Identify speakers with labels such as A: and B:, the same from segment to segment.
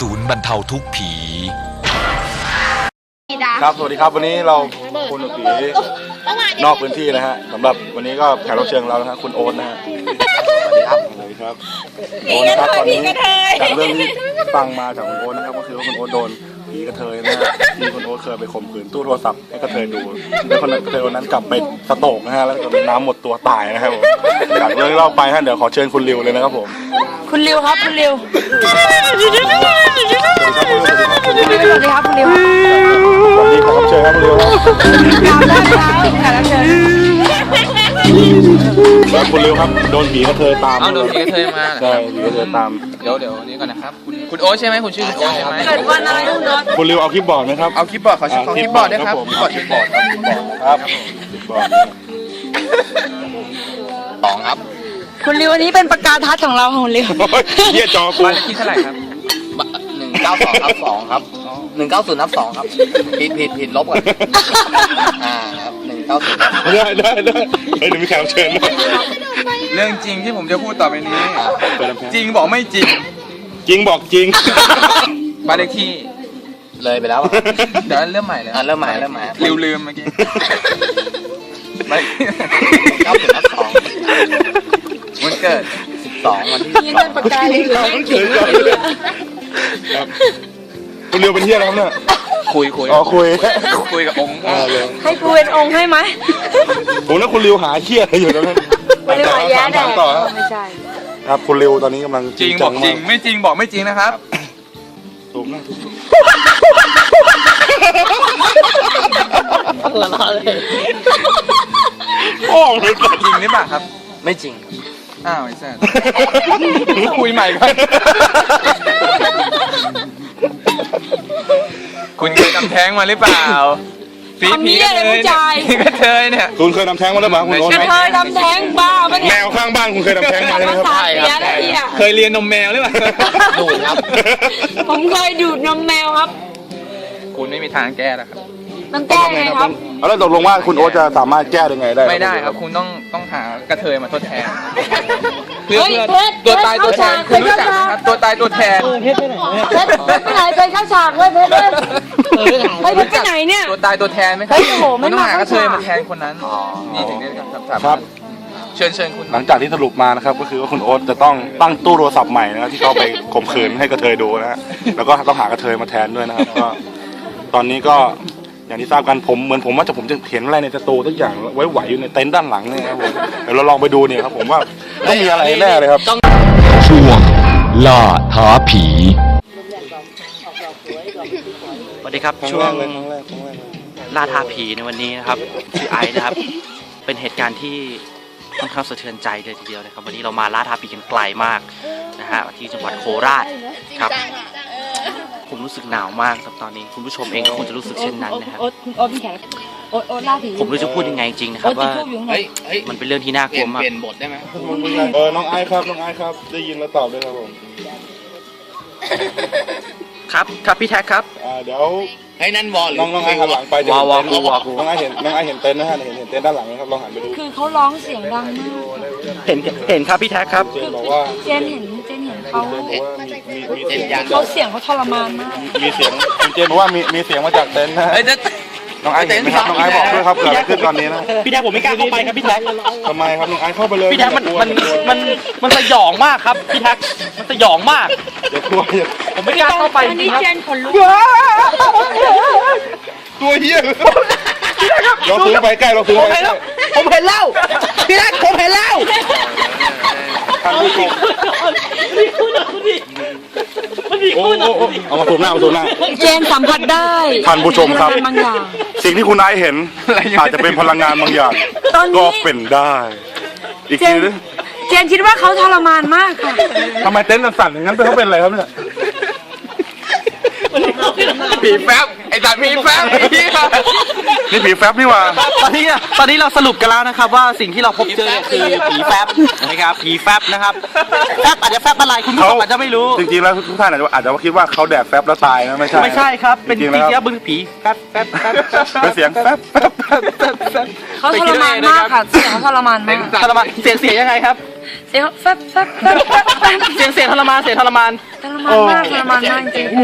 A: ศูนย์บรรเทาทุกข์ผี
B: ครับสวัสดีครับวันนี้เราคุณผีนอกพื้นที่นะฮะสำหรับวันนี้ก็แขกรับเชิญเรานะฮะคุณโอ๊ตนะฮะสวัสดีครับโอ๊ตนะครับตอนนี้จากเรื่องที่ฟังมาจากคุณโอ๊ตนะครับก็คือว่าคุณโอ๊ตโดนผีกระเทยนะฮะที่คุณโอ๊ตเคยไปข่มขืนตู้โทรศัพท์ให้กระเทยดูแล้วคนกระเทยวันนั้นกลับไปสโตกนะฮะแล้วก็น้ำหมดตัวตายนะครับผมจากเรื่องที่เล่าไปฮะเดี๋ยวขอเชิญคุณริวเลยนะครับผม
C: คุณริวครับคุณริวสวัสดีครับคุณริว
B: สวัสดีขอรับเชิญครับคุณริว
C: กราบได้แล้วแขกรับเชิญ
B: แล้วคุณริวครับโดนผีกระเทยตาม
D: โดนผีกระเทยมา
B: ใช่ผีกระเทยตาม
D: เดี๋ยวนี้ก่อนนะครับคุณโอ๊ตใช่ไหมคุณชื่อคุณโอ๊ตใช่ไหม
C: เกิดวันอะไรคุณโอ๊ต
B: คุณริวเอาคลิปบอร์ดไหมครับ
D: เอาคลิปบอร์ดขอคลิปบอร์ดด้วยครับ
B: คลิปบอร์ดครับคลิปบอร์ด
D: สองครับ
C: คุณริววันนี้เป็นประกาศทัศน์ของเราของริว
B: เยี่ยจอ
D: บ้านเลขที่เท่าไหร่ครับ192/2ครับ190/2ครับผิดลบก่อนครับ190
B: ได้เดี๋ยวมีแขกรับเชิญ
D: เรื่องจริงที่ผมจะพูดต่อไปนี้จริงบอกไม่จริง
B: จริงบอกจริง
D: บ้านเลขที่เลยไปแล้วเดี๋ยวเริ่มใหม่เลย
B: เริ่มใหม่
D: ลืมเมื่อกี้ไม่90/2วันเกิด12วันที่
C: นี่เป็นประกาศเลย
B: คุณริวเป็นเที่ยแล้วเนี่ย
D: คุยกับองค์
C: ให้กูเป็นองค์ให้ไหม
B: ผมแล้วคุณริวหาเที่ยอะไรอยู่ตรงนั้น
C: ไม่ได้หาแย่แดดไม่ใช่
B: ครับคุณริวตอนนี้กำลัง
D: จริงบอกจริงไม่จริงบอกไม่จริงนะครับ
B: ถูกนะโอ้ย
D: จริงหรือเปล่าครับ
E: ไม่จริง
D: อ้าวไอ้แซ่คุยใหม่ครับคุณเคยทำแท้งมาหรือเปล่า
C: ผีเลยผู้ชาย
D: กระเทยเนี่ย
B: คุณเคยทำแท้งมาหรือเปล่าคุณโอ๊ต
C: กระเทยทำแท้งบ้าปะเนี่ย
B: แมวข้างบ้านคุณเคยทำแท้งมาใช่ไหมครับ
C: ใช่ครับ
D: เคยเรียนนมแมวหรือเปล่า
E: ดูดครับ
C: ผมเคยดูดนมแมวครับ
D: คุณไม่มีทางแก้แล้วครับ
C: ต้องแก้ไงครับ
B: แล้วตกลงว่าคุณโอ๊ตจะสามารถแก้ยังไงได้
D: ไม่ได้ครับคุณต้องหากระเทยมาทดแทนเพื่อ
C: ตัวตายตัวแทน
D: คุณรู้จักครับตัวตายตัวแทน
C: เพชรไปไหนไปเข้าฉากเลยเพชรไปไหนเนี่ย
D: ตัวตายตัวแทนไหมครับไม่ต้องหากระเทยมาแทนคนนั้นนี่ถึงได้ครับเชิญคุณ
B: หลังจากที่สรุปมานะครับก็คือว่าคุณโอ๊ตจะต้องตั้งตู้โทรศัพท์ใหม่นะครับที่เขาไปข่มขืนให้กระเทยดูนะฮะแล้วก็ต้องหากระเทยมาแทนด้วยนะครับก็ตอนนี้ก็อย่างที่ทราบกันผมว่าผมจะเห็นอะไรในสตูทุกอย่างไว้ไหวอยู่ในเต็นท์ด้านหลังเนี่ยครับผมเดี๋ยวเราลองไปดูเนี่ยครับผมว่าต้องมีอะไรแน่เลยครับ
A: ช่วงล่าท้าผี
E: สวัสดีครับช่วงล่าท้าผีในวันนี้นะครับชื่อไอซ์นะครับเป็นเหตุการณ์ที่ค่อนข้างสะเทือนใจเลยทีเดียวนะครับวันนี้เรามาล่าท้าผีกันไกลมากนะฮะที่จังหวัดโคราชครับผมรู้สึกหนาวมากครับตอนนี้คุณผู้ชมเองก็คงจะรู้สึกเช่นนั้นนะครับผมไม่รู้จะพูดยังไงจริงนะครับว่ามันเป็นเรื่องที่น่ากลัวมาก
D: เปลี่ยนบทได้ไหม
B: น้องไอซ์ครับได้ยินแล้วตอบด้วยครับผม
E: ครับพี่แท็กครับ
D: เดี๋ยวให้นั่นวอล
B: น้องไอซ์หันหลังไป
E: วอ
B: น้องไอซ์เห็นเต็นท์นะฮะเห็นเต็นท์ด้านหลังนะครับลองหันไปดู
C: คือเขาร้องเสียงดังมาก
E: เห็นครับพี่แท็กครับ
B: เจนบอกว่า
C: เจนเห็นเขา
B: มี
C: เสียงเขาทรมานมาก
B: มีเสียงเจนบอกว่ามีเสียงมาจากเต็นท์นะน้องไอซ์เห็นไหมครับน้องไอซ์บอกด้วยครับเกิดอะไรขึ้นตอนนี้นะ
E: พี่แท็กผมไม่กล้าเข้าไปครับพี่แท็ก
B: ทำไมครับน้องไอซ์เข้าไปเลย
E: พี่แท็กมันสยองมากครับพี่แท็กมันสยองมาก
B: อย่ากลัว
E: ผมไม่กล้าเข้าไป
C: อันนี้เจนขนลุก
B: ตัวเหี้ยเราซื้อไปใกล้ผมเห็น
E: แล้วพี่แท็กผมเห็นแล้ว
B: ท่านผู้ชมเอามาสูบหน้า
C: เจนสัมผัสได้
B: ท่านผู้ชมครับสิ่งที่คุณไอซ์เห็นอาจจะเป็นพลังงานบางอย่างก็เป็นได้อีกทีนึง
C: เจนคิดว่าเขาทรมานมากค่ะ
B: ทำไมเต็นท์สั่นอย่างนั้นเขาเป็นอะไรครับเนี่ย
D: ผีแฟบไอ้สัตว์ผีแฟบ
B: นี่ผีแฟบนี่หว่า
E: ตอนนี้เราสรุปกันแล้วนะครับว่าสิ่งที่เราพบเจอคือผีแฟบนะครับผีแฟบนะครับแฟบอาจจะแฟบอะไรคุณผู้ชมอาจจะไม่รู้
B: จริงๆแล้วทุกท่านอาจจะคิดว่าเขาแดดแฟบแล้วตายนะไม่ใช่
E: ครับเป็นผีเสียบึ้งผีแฟบ
B: เป็นเสียงแฟบ
C: เขาทรมานมากค่ะเสียงเขาทรมานมาก
E: เสียงยังไงครับ
C: เสียงแฟบ
E: เสียงทรมาน
C: ทรมานมากจริง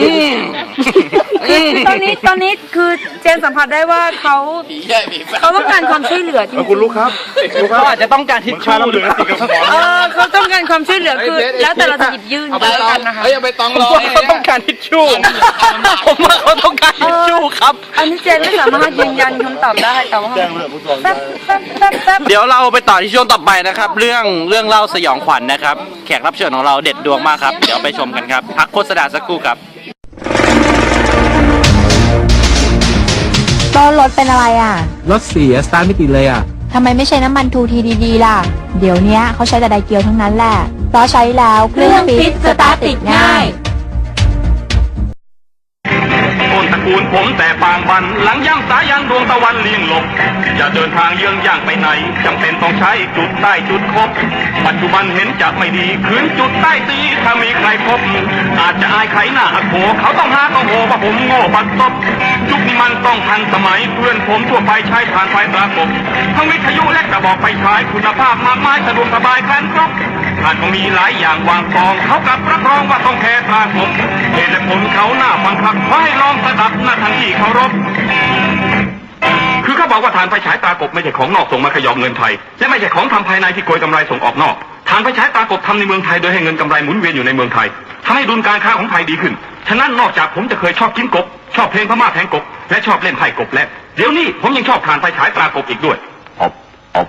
C: ตอนนี้คือเจนสัมผัสได้ว่าเขาต้องการความช่วยเหลือจริง
B: คุณลูกครับ
E: เขาอาจจะต้องการทิชชู่หรือ
C: เขาต้องการความช่วยเหลือคือแล้วแต่เราจะหยิบยื่นไปแล้วกันนะคะ
D: เฮ้ยเอาไปตองรอ
E: เขาต้องการทิชชู่ผมว่าเขาต้องการทิชชู่ครับ
C: อันนี้เจนไม่สามารถยืนยันคำตอบได้แต่ว่า
B: แจ้งเรื่องผู้กอง
C: แป๊บ
E: เดี๋ยวเราไปต่อที่ช่วงต่อไปนะครับ เรื่องเล่าสยองขวัญนะครับแขกรับเชิญของเราเด็ดดวงมากครับเดี๋ยวไปชมกันครับพักโฆษณาสักครู่ครับ
F: ก็รถเป็นอะไรอ่ะ
G: รถเสียสตาร์ทไม่ติดเลยอ่ะ
F: ทำไมไม่ใช้น้ำมันทูทีดีๆล่ะ เดี๋ยวนี้เขาใช้แต่ไดเกียวทั้งนั้นแหละ เพราะใช้แล้วเครื่องฟิตสตาร์ทติดง่าย
H: ต้นตระกูลผมแต่ปางบันหลังย่ำสายันดวงตะวันเลี่ยงหลบจะเดินทางเยื้องย่างไปไหนจำเป็นต้องใช้จุดใต้จุดคบปัจจุบันเห็นจะไม่ดีคืนจุดใต้ตีถ้ามีใครพบอาจจะอายใครหน้าโผเขาต้องหาต้องโหว่าผมโง่บัดซบยุคนี้มันต้องทันสมัยเพื่อนผมทั่วไปใช้ผ่านไฟตรากบทั้งวิทยุและกระบอกไฟฉายคุณภาพมากมายสะดวกสบายครันครบอาจก็มีหลายอย่างวางกองเขากับรับรองว่าต้องแค่ตรากบเหตุและผลเขาหน้าฟังพักขอให้ลองสดับหน้าทางที่เคารพคือเขาบอกว่าฐานไฟฉายตากบไม่ใช่ของนอกส่งมาขยอมเงินไทยและไม่ใช่ของทำภายในที่โกยกำไรส่งออกนอกฐานไฟฉายตากบทำในเมืองไทยโดยให้เงินกำไรหมุนเวียนอยู่ในเมืองไทยทำให้ดุลการค้าของไทยดีขึ้นฉะนั้นนอกจากผมจะเคยชอบกินกบชอบเพลงพม่าแทงกบและชอบเล่นไพ่กบแล้วเดี๋ยวนี้ผมยังชอบฐานไฟฉายตากบอีกด้วยอบ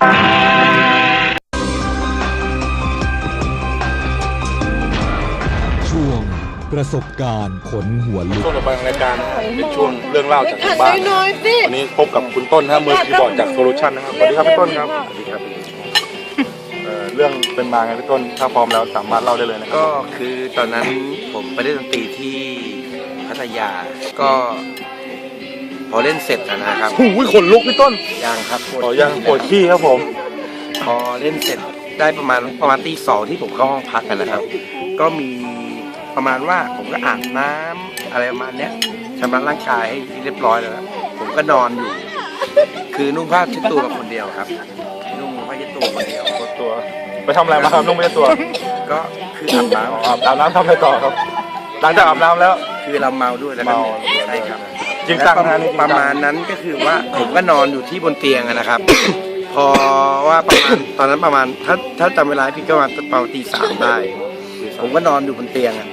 A: ช่วงประสบการณ์ขนหัวลุก
B: ช่วงต่อไปของรายการนะฮะเป็นช่วงเรื่องเล่าจากทางบ้านวันนี้พบกับคุณต้นนะฮะมือคีย์บอร์ดจากโซลูชันนะครับสวัสดีครับพี่ต้นครับสวัสดีครับเรื่องเป็นมาไงพี่ต้นถ้าพร้อมแล้วสามารถเล่าได้เลยนะครับ
I: ก็คือตอนนั้นผมไปเล่นดนตรีที่พัทยาก็พอเล่นเสร็จนะครับ
B: โอ้ยขนลุกพี่ต้น
I: ยังครับ
B: อ๋อยังปวดขี้ครับผม
I: พอเล่นเสร็จได้ประมาณตี 2ที่ผมเข้าห้องพักกันนะครับ ก็มีประมาณว่าผมก็อาบน้ำอะไรประมาณเนี้ยชำระร่างกายให้เรียบร้อยแล้วผมก็นอนอยู่ คือนุ่งผ้าเช็ดตัวกับคนเดียวครับนุ่งผ้าเช็ดตัวคนเดียว
B: ตัวไปทำอะไรมาครับนุ่งไม่ใช่ตัว
I: ก็คืออาบน้ำ
B: อาบน้ำทำอะไรต่อครับ หลังจากอาบน้ำแล้ว
I: คือเราเมาด้วยแล้วก็
B: เมา
I: ใช่ครับ
B: จริงจังนะนี่จริงจัง
I: ประมาณนั้นก็คือว่าผมก็นอนอยู่ที่บนเตียงอะนะครับ พอว่าประมาณตอนนั้นประมาณถ้าจำเวลาพี่ก็ประมาณตี 3ได้ ผมก็นอนอยู่บนเตียงอะ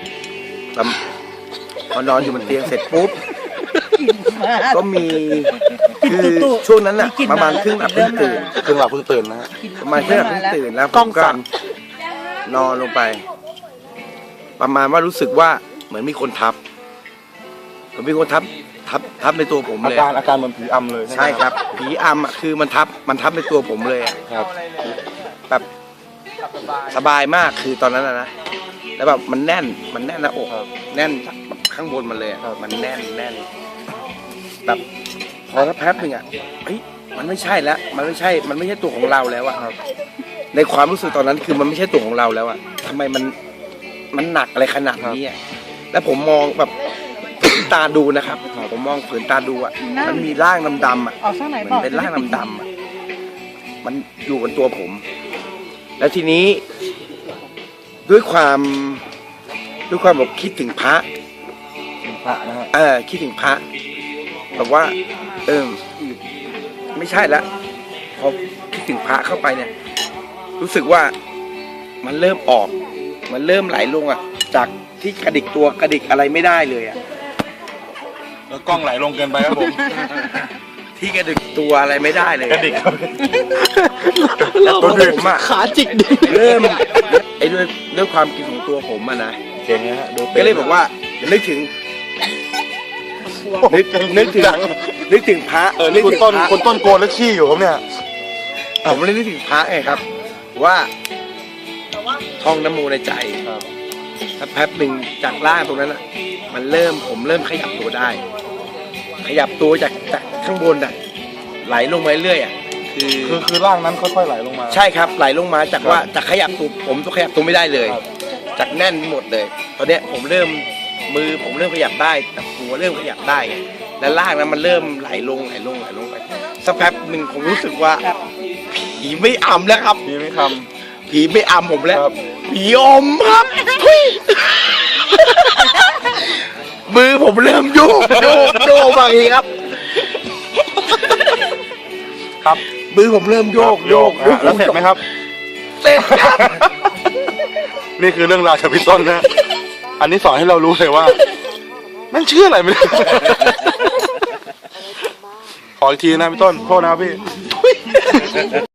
I: พอนอนอยู่บนเตียงเสร็จปุ๊บก็มีคือช่วงนั้นอะประมาณครึ่งหลับครึ่งตื่น
B: เพิ่งหลับเพิ่งตื่นนะฮะ
I: ประมาณครึ่งหลับครึ่งตื่นแล้วผมก็นอนลงไป ประมาณว่ารู้สึกว่าเหมือนมีคนทับมีคนทับในตัวผม
B: อา
I: เลย
B: การเหมือนผีอำเลย
I: ใช่ครับผีอำอ่ะคือมันทับในตัวผมเลยอ่ะ
B: ครับ
I: แบบสบายมากคือตอนนั้นนะแล้วแบบมันแน่นหน้าอกแน่นจากข้างบนมันเลยอ่ะมันแน่นแบบพอสักแป๊บหนึ่งอ่ะเฮ้ยมันไม่ใช่แล้วมันไม่ใช่ตัวของเราแล้วอ่ะในความรู้สึกตอนนั้นคือมันไม่ใช่ตัวของเราแล้วอ่ะทำไมมันหนักอะไรขนาดนี้อ่ะแล้วผมมองแบบตาดูนะครับผมมองฝืนตาดูอ่ะมันมีร่างดำๆอ่ะมันเป็นร่างดำๆอ่ะมันอยู่บนตัวผม แล้วทีนี้ด้วยความแบบคิดถึงพระ
B: พระนะฮะ
I: คิดถึงพระแบบว่าไม่ใช่แล้วพอคิดถึงพระเข้าไปเนี่ยรู้สึกว่ามันเริ่มออกมันเริ่มไหลลงอ่ะจากที่กระดิกตัวกระดิกอะไรไม่ได้เลยอ่ะ
B: แล้วกล้องไหลลงเกินไปครับผม
I: ที่กระดิกตัวอะไรไม่ได้เลย
B: กระดิกครับ
I: แล้วตัวผมอ่ะขาจิกเริ่มด้วยความคิดของตัวผมอ่ะนะ
B: เก่งนะฮะดู
I: ก็เลยบอกว่านึกถึงพระ
B: นี่คุณต้นโกนแล้วขี้อยู่ครับเนี่ย
I: ผมเลยนึกถึงพระไงครับ ว่าท่องน้ำมูในใจถ้าแป๊บหนึ่งจากล่างตรงนั้นอ่ะผมเริ่มขยับตัวได้ ขยับตัวจากข้างบนอ่ะไหลลงมาเรื่อยอ่ะ
B: คือร่างนั้นค่อยๆไหลลงมา
I: ใช่ครับไหลลงมาจากว่าจากขยับตัวผมตัวขยับตัวไม่ได้เลย จากแน่นหมดเลยตอนเนี้ยผมเริ่มมือผมเริ่มขยับได้แต่หัวเริ่มขยับได้แล้วล่างนั้นมันเริ่มไหลลงไปสักแป๊บหนึ่งผมรู้สึกว่าผีไม่อำแล้วครับ
B: ผีไม่ค
I: ผีไม่อำผมแล้ว
B: ครับ
I: ผีอมครับทุยมือผมเริ่มโยกบางทีครับ
B: ครับ
I: มือผมเริ่มโยก
B: แล้วเสร็จไหมครับ
I: เสร็จครับ
B: นี่คือเรื่องราวจากพี่ต้นนะ อันนี้สอนให้เรารู้เลยว่าแม่งเชื่ออะไรไม่ได้ ขออีกทีนะพี่ต้น โทษนะครับพี่